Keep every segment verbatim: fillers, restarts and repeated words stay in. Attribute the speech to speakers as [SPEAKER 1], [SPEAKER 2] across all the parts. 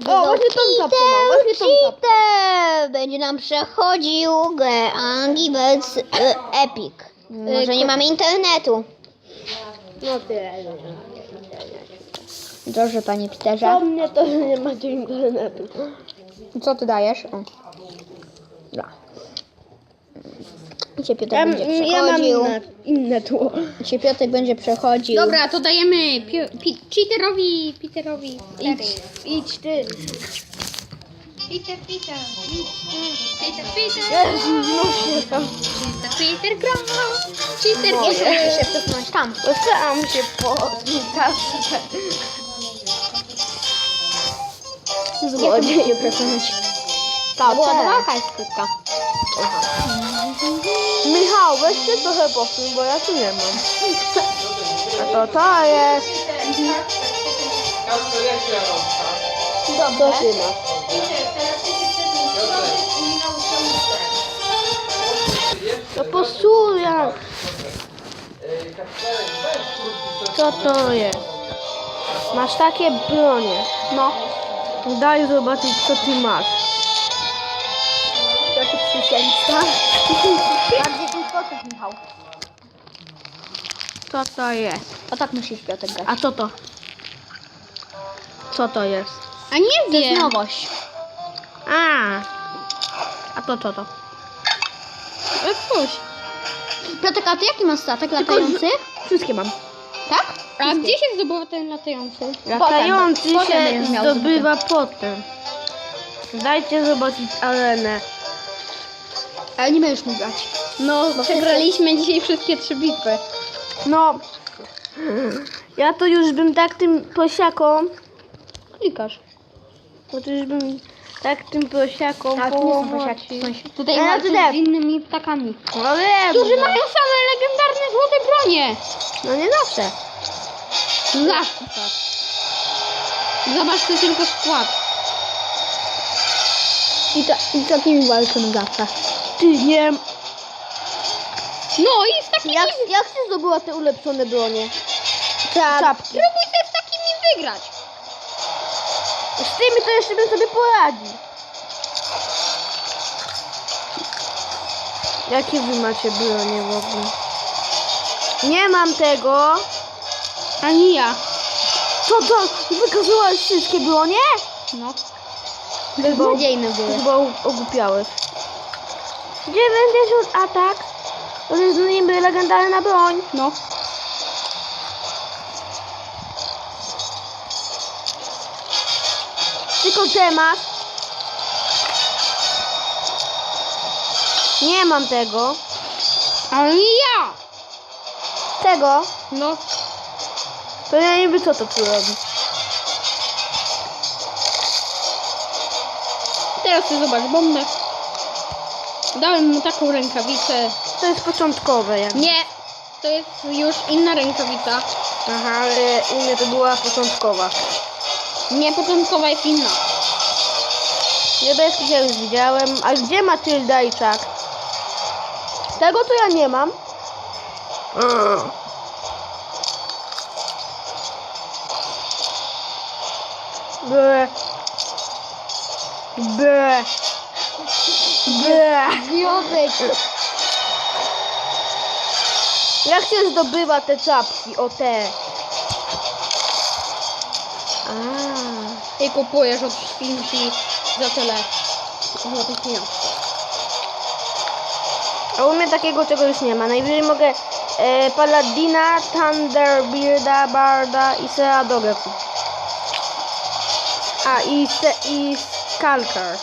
[SPEAKER 1] O, właśnie tą czapkę mam, właśnie tą czapkę.
[SPEAKER 2] Cheater! Będzie nam przechodził grę Angry Birds y, Epic. Może nie mamy internetu.
[SPEAKER 1] No tyle.
[SPEAKER 2] Dobrze, panie
[SPEAKER 1] Co
[SPEAKER 2] Peterze.
[SPEAKER 1] mnie to, że nie macie internetu.
[SPEAKER 2] Co ty dajesz? O. Dobra. I się Piotr
[SPEAKER 1] Ja,
[SPEAKER 2] będzie
[SPEAKER 1] ja mam
[SPEAKER 2] przechodził.
[SPEAKER 1] inne, inne tło.
[SPEAKER 2] I się Piotr będzie przechodził.
[SPEAKER 3] Dobra, to dajemy pi- pi- cheaterowi, Peterowi.
[SPEAKER 1] Idź, idź ty.
[SPEAKER 3] Peter, Peter, idź ty. Peter, Peter.
[SPEAKER 1] Jezu, znów się tam.
[SPEAKER 3] Peter, Peter gra. Cheater,
[SPEAKER 2] Nie
[SPEAKER 3] Peter.
[SPEAKER 2] muszę się cofnąć tam.
[SPEAKER 1] Dostałam się po kasę.
[SPEAKER 2] Złodziej przekonać. To była walka jest krótka.
[SPEAKER 1] Michał, weź ty trochę posuń, bo ja tu nie mam. A to to jest.
[SPEAKER 2] Dobrze.
[SPEAKER 1] Co ty masz? To posuja. Co to jest? Masz takie bronie.
[SPEAKER 2] No.
[SPEAKER 1] Daj zobaczyć, co ty masz.
[SPEAKER 2] Piotr specjalista. Bardziej ten procent, Michał.
[SPEAKER 1] Co to jest?
[SPEAKER 2] O tak musisz Piotr grać.
[SPEAKER 1] A co to? Co to jest?
[SPEAKER 3] A nie
[SPEAKER 2] To jest
[SPEAKER 3] wiem.
[SPEAKER 2] nowość.
[SPEAKER 1] A. A to co to?
[SPEAKER 3] Coś.
[SPEAKER 2] Piotr, a ty jaki masz statek latający?
[SPEAKER 1] Wszystkie mam.
[SPEAKER 2] Tak?
[SPEAKER 3] A gdzie się zdobywa ten latający?
[SPEAKER 1] Latający
[SPEAKER 2] potem
[SPEAKER 1] się
[SPEAKER 2] będziesz miał
[SPEAKER 1] zdobywa potem. Dajcie zobaczyć arenę.
[SPEAKER 2] Ale nie będziesz mógł grać.
[SPEAKER 3] No, przegraliśmy dzisiaj wszystkie trzy bitwy.
[SPEAKER 1] No. Ja to już bym tak tym prosiaką.
[SPEAKER 3] Klikasz.
[SPEAKER 1] Bo to już bym tak tym prosiaką
[SPEAKER 2] Ale to nie są
[SPEAKER 1] pomocił.
[SPEAKER 2] prosiaki, w sensie.
[SPEAKER 3] Tutaj
[SPEAKER 1] Ja
[SPEAKER 3] walczysz
[SPEAKER 1] też.
[SPEAKER 3] z innymi ptakami.
[SPEAKER 1] No wiem.
[SPEAKER 3] Którzy
[SPEAKER 1] no.
[SPEAKER 3] mają same legendarne złote bronie.
[SPEAKER 1] No nie zawsze.
[SPEAKER 3] Zawsze tak. Zobacz, to tylko skład.
[SPEAKER 2] I, ta, i z takimi walczymy zawsze.
[SPEAKER 1] Ty nie.
[SPEAKER 3] No i z takimi...
[SPEAKER 1] Jak, jak ty zdobyła te ulepszone bronie?
[SPEAKER 2] Czap.
[SPEAKER 1] Czapki.
[SPEAKER 3] Spróbuj sobie z takimi wygrać.
[SPEAKER 1] Z tymi to jeszcze bym sobie poradził. Jakie wy macie bronie w ogóle? Nie mam tego.
[SPEAKER 3] Ani ja.
[SPEAKER 1] Co to? Wykazałaś wszystkie bronie?
[SPEAKER 3] No.
[SPEAKER 2] Beznadziejne były.
[SPEAKER 1] Chyba u- ogłupiałeś. dziewięćdziesiąt atak. To jest niby legendarna broń.
[SPEAKER 3] No.
[SPEAKER 1] Tylko temat. Nie mam tego.
[SPEAKER 3] Ani ja.
[SPEAKER 1] Tego.
[SPEAKER 3] No.
[SPEAKER 1] To ja nie wiem, co to tu robi.
[SPEAKER 3] Teraz ty zobacz bombę. Dałem mu taką rękawicę.
[SPEAKER 1] To jest początkowe jak.
[SPEAKER 3] Nie. To jest już inna rękawica.
[SPEAKER 1] Aha, ale u mnie to była początkowa.
[SPEAKER 3] Nie, początkowa jest inna.
[SPEAKER 1] Niebieskich ja już widziałem. A gdzie Matylda i Czak? Tego to ja nie mam. Ble. Ble. Ble.
[SPEAKER 2] Związek.
[SPEAKER 1] Jak się zdobywa te czapki? O te. A.
[SPEAKER 3] I kupujesz od świnki za tyle złotych pieniążów.
[SPEAKER 1] A u mnie takiego czegoś nie ma. Najwyżej mogę e, Paladina, Thunderbirda, Barda i Seadogę kupić. A i, se, i Skalkar.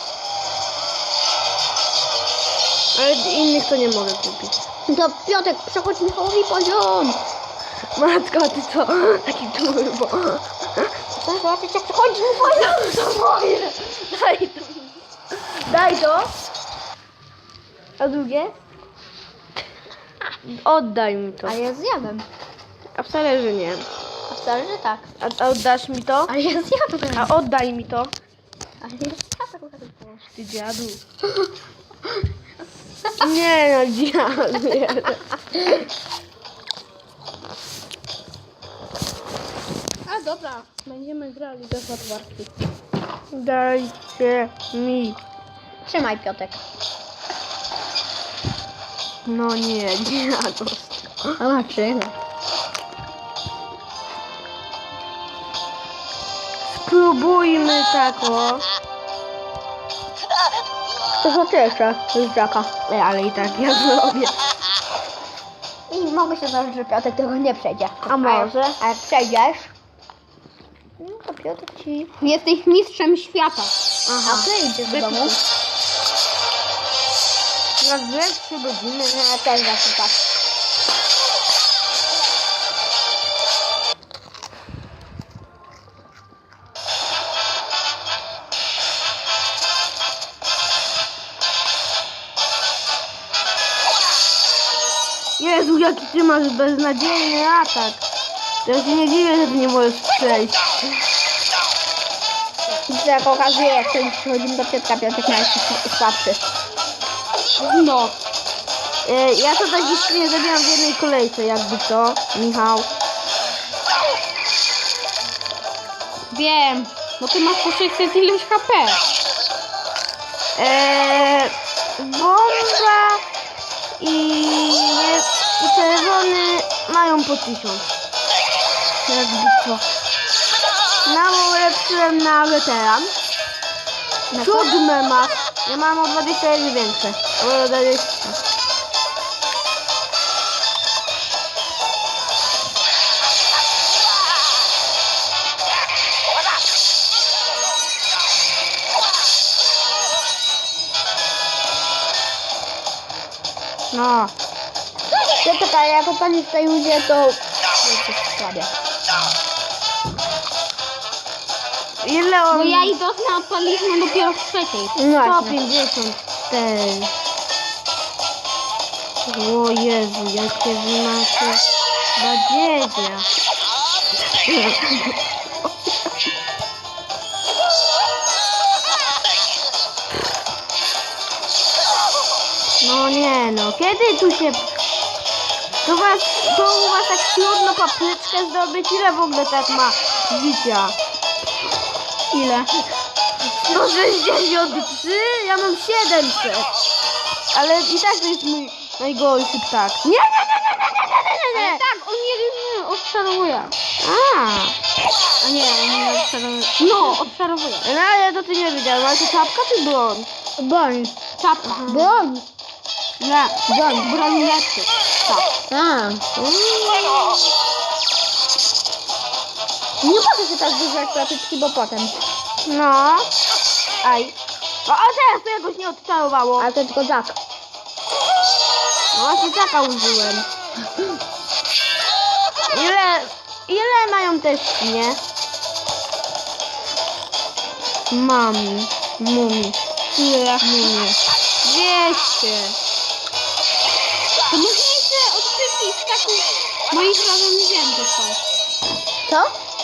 [SPEAKER 1] Ale innych to nie mogę kupić.
[SPEAKER 2] To Piotrek, przechodź Michałowi poziom.
[SPEAKER 1] Matko, ty co? Taki turbo.
[SPEAKER 2] Zobaczyć jak przechodzi mu poziom.
[SPEAKER 1] To moje. Daj to. Daj to. A drugie? Oddaj mi to.
[SPEAKER 2] A ja zjadłem.
[SPEAKER 1] A wcale, że nie.
[SPEAKER 2] A wcale, że tak.
[SPEAKER 1] A, a oddasz mi to?
[SPEAKER 2] Ale ja zjadłem.
[SPEAKER 1] A oddaj mi to.
[SPEAKER 2] Ale ja zjadłem.
[SPEAKER 1] Ty dziadu. Nie no, dziadu.
[SPEAKER 3] A dobra, będziemy grali bez odwarki.
[SPEAKER 1] Dajcie mi.
[SPEAKER 2] Trzymaj, Piotek.
[SPEAKER 1] No nie, dziados.
[SPEAKER 2] Zobaczymy.
[SPEAKER 1] Spróbujmy tak o.
[SPEAKER 2] To co ty jeszcze z Jacka?
[SPEAKER 1] Ej, ale i tak ja zrobię.
[SPEAKER 2] I mogę się założyć, że Piotek tego nie przejdzie.
[SPEAKER 1] A może?
[SPEAKER 2] A jak przejdziesz, no to Piotek ci... Jesteś mistrzem świata.
[SPEAKER 1] Aha.
[SPEAKER 2] A ty idziesz do domu?
[SPEAKER 1] Na dwie, trzy godziny.
[SPEAKER 2] No, ja też właśnie tak.
[SPEAKER 1] Jezu, jaki ty masz beznadziejny atak. To ja się nie dziwię, że ty nie możesz przejść.
[SPEAKER 2] I jak okazuje, jak kiedyś przychodzimy do Piotka, Piotek ma jeszcze słabszy.
[SPEAKER 3] No.
[SPEAKER 1] E, ja to tak jeszcze nie zabieram w jednej kolejce, jakby to, Michał.
[SPEAKER 3] Wiem. Bo ty masz po sześćset ileś H P.
[SPEAKER 1] Eee, bomba i, i czerwony mają po tysiąc. Jakby co. Mało ulepszyłem na weteran. Siódme ma. Ja mam o dwadzieścia jeden większe. O dwadzieścia. No.
[SPEAKER 2] Piotek, a jak opalisz tej ludzie, to... Jesteś słabie.
[SPEAKER 1] Ile on...
[SPEAKER 3] Bo ja i Dosna odpaliśmy dopiero w trzeciej.
[SPEAKER 2] No
[SPEAKER 1] sto
[SPEAKER 2] właśnie.
[SPEAKER 1] pięćdziesiąt cztery. O Jezu, jakie wy macie badziewia. No nie no, kiedy tu się... To, was, to u was tak trudno papryczkę zdobyć? Ile w ogóle tak ma życia?
[SPEAKER 3] Ile?
[SPEAKER 1] sto sześćdziesiąt trzy? Ja mam siedemset. Ale i tak to jest mój najgorszy ptak. Nie, nie, nie, nie, nie, nie, nie, nie, nie.
[SPEAKER 3] Tak, on nie odczarowuje.
[SPEAKER 1] A,
[SPEAKER 3] A nie, on nie odczarowuje. No, odczarowuje.
[SPEAKER 1] no ale to ty nie wiedziałem, ale to czapka czy broń?
[SPEAKER 2] Broń.
[SPEAKER 3] Czapka.
[SPEAKER 2] Broń.
[SPEAKER 3] Nie, broń, broń lepszy. Tak.
[SPEAKER 2] A. Nie mogę się tak dużo klatyczki, bo potem.
[SPEAKER 1] No. Aj. O, a teraz to jakoś nie odczarowało.
[SPEAKER 2] Ale to tylko Jack.
[SPEAKER 1] No właśnie taka użyłem. Ile, ile mają te świnie? Mami, mumi,
[SPEAKER 3] Ile?
[SPEAKER 1] mumie. dwieście.
[SPEAKER 3] To może jeszcze od wszystkich takich moich razem nie wiem, to są.
[SPEAKER 2] Co?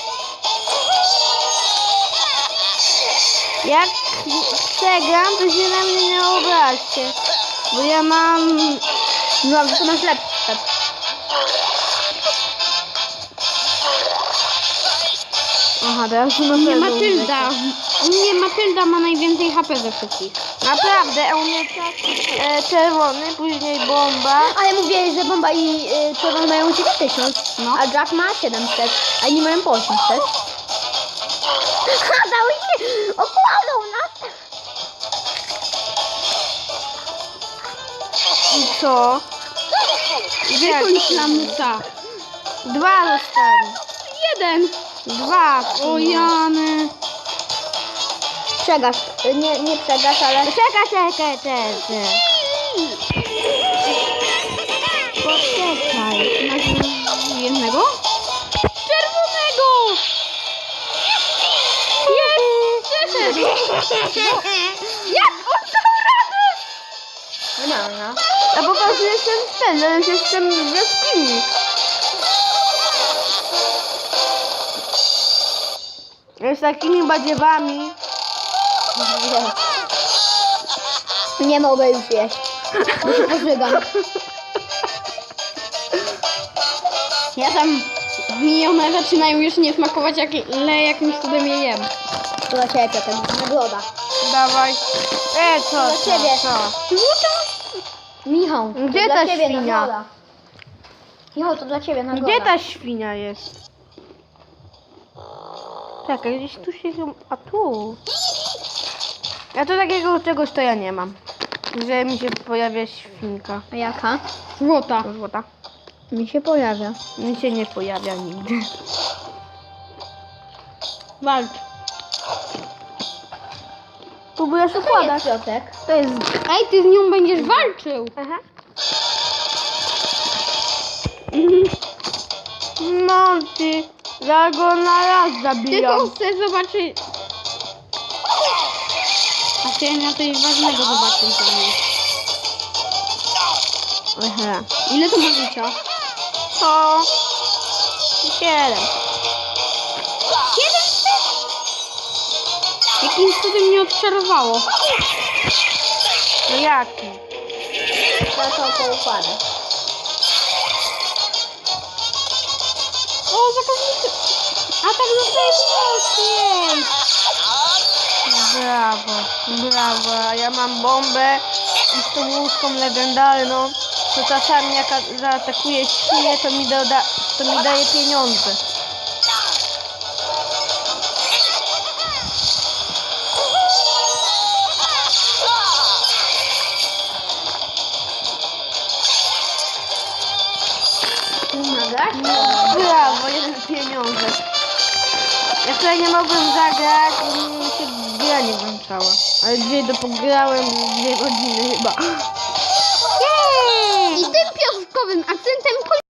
[SPEAKER 1] Jak przegram, to się na mnie nie obraźcie. Bo ja mam...
[SPEAKER 2] No, ale to masz lepszy step.
[SPEAKER 1] Aha, teraz to na
[SPEAKER 3] Nie
[SPEAKER 1] pewno
[SPEAKER 3] Matylda. U mnie Matylda ma najwięcej H P ze wszystkich.
[SPEAKER 1] Naprawdę, a u mnie tak e, czerwony, później bomba.
[SPEAKER 2] Ale mówiłeś, że bomba i y, czerwony mają dziewięć tysięcy.
[SPEAKER 3] No.
[SPEAKER 2] A Jack ma siedemset. A inni mają po osiemset. Ha, dał się! Okłamał nas!
[SPEAKER 1] I co? I
[SPEAKER 3] Wykończ lamusa.
[SPEAKER 1] Dwa zostali.
[SPEAKER 3] Jeden.
[SPEAKER 1] Dwa.
[SPEAKER 3] O Jany.
[SPEAKER 2] Przegasz. Y, Nie, nie przegasz, ale...
[SPEAKER 1] Czekaj, czekaj, czekaj. Poczekaj.
[SPEAKER 3] Masz jednego? Czerwonego. Jest. Przeszedł. Jak on dał radę?
[SPEAKER 2] No, no.
[SPEAKER 1] A po prostu jestem ten, że już jestem w jaskini. Z takimi badziewami.
[SPEAKER 2] Nie. Nie mogę już jeść. Bo się pożygam.
[SPEAKER 3] Ja tam minione zaczynają już nie smakować, jak, ale jakimś cudem je jem.
[SPEAKER 2] To dla ciebie, Piotr, nagroda.
[SPEAKER 1] Dawaj. E, co,
[SPEAKER 2] Dla
[SPEAKER 1] co,
[SPEAKER 2] ciebie.
[SPEAKER 1] co?
[SPEAKER 2] Michał, to
[SPEAKER 1] Gdzie
[SPEAKER 2] dla
[SPEAKER 1] ta
[SPEAKER 2] ciebie
[SPEAKER 1] świnia?
[SPEAKER 2] nagroda. Michał, to dla ciebie nagroda.
[SPEAKER 1] Gdzie ta świnia jest? Czekaj, gdzieś tu się... chyba- A tu. Ja tu takiego czegoś to ja nie mam. Że mi się pojawia świnka.
[SPEAKER 2] A jaka?
[SPEAKER 3] Złota.
[SPEAKER 1] To złota.
[SPEAKER 2] Mi się pojawia.
[SPEAKER 1] Mi się nie pojawia nigdy.
[SPEAKER 3] Walcz.
[SPEAKER 1] Próbujesz układać.
[SPEAKER 2] Piotrek.
[SPEAKER 1] To jest...
[SPEAKER 3] Ej, ty z nią będziesz walczył.
[SPEAKER 1] Aha. No ty, ja go na raz
[SPEAKER 3] Tylko
[SPEAKER 1] zabijam.
[SPEAKER 3] chcę zobaczyć. A chciałem na coś ważnego zobaczyć tam jest.
[SPEAKER 1] Aha.
[SPEAKER 3] Ile to ma życia?
[SPEAKER 1] To... Siedem.
[SPEAKER 3] Siedem sztuk? Jakimś cudem mnie odczarowało.
[SPEAKER 1] No jaki?
[SPEAKER 2] To są te układy.
[SPEAKER 3] O, zakaznicy. A tak zostaje mocniej.
[SPEAKER 1] Brawo, brawo. A ja mam bombę i z tą łódką legendarną, to czasami jak a- zaatakuje świnię, to mi, doda, to mi daje pieniądze.
[SPEAKER 2] Nagrać?
[SPEAKER 1] Brawo, jeden pieniądze. Ja wczoraj nie mogłem zagrać, bo mi się gra nie włączała. Ale dzisiaj to pograłem dwie godziny chyba.
[SPEAKER 3] I tym piątkowym akcentem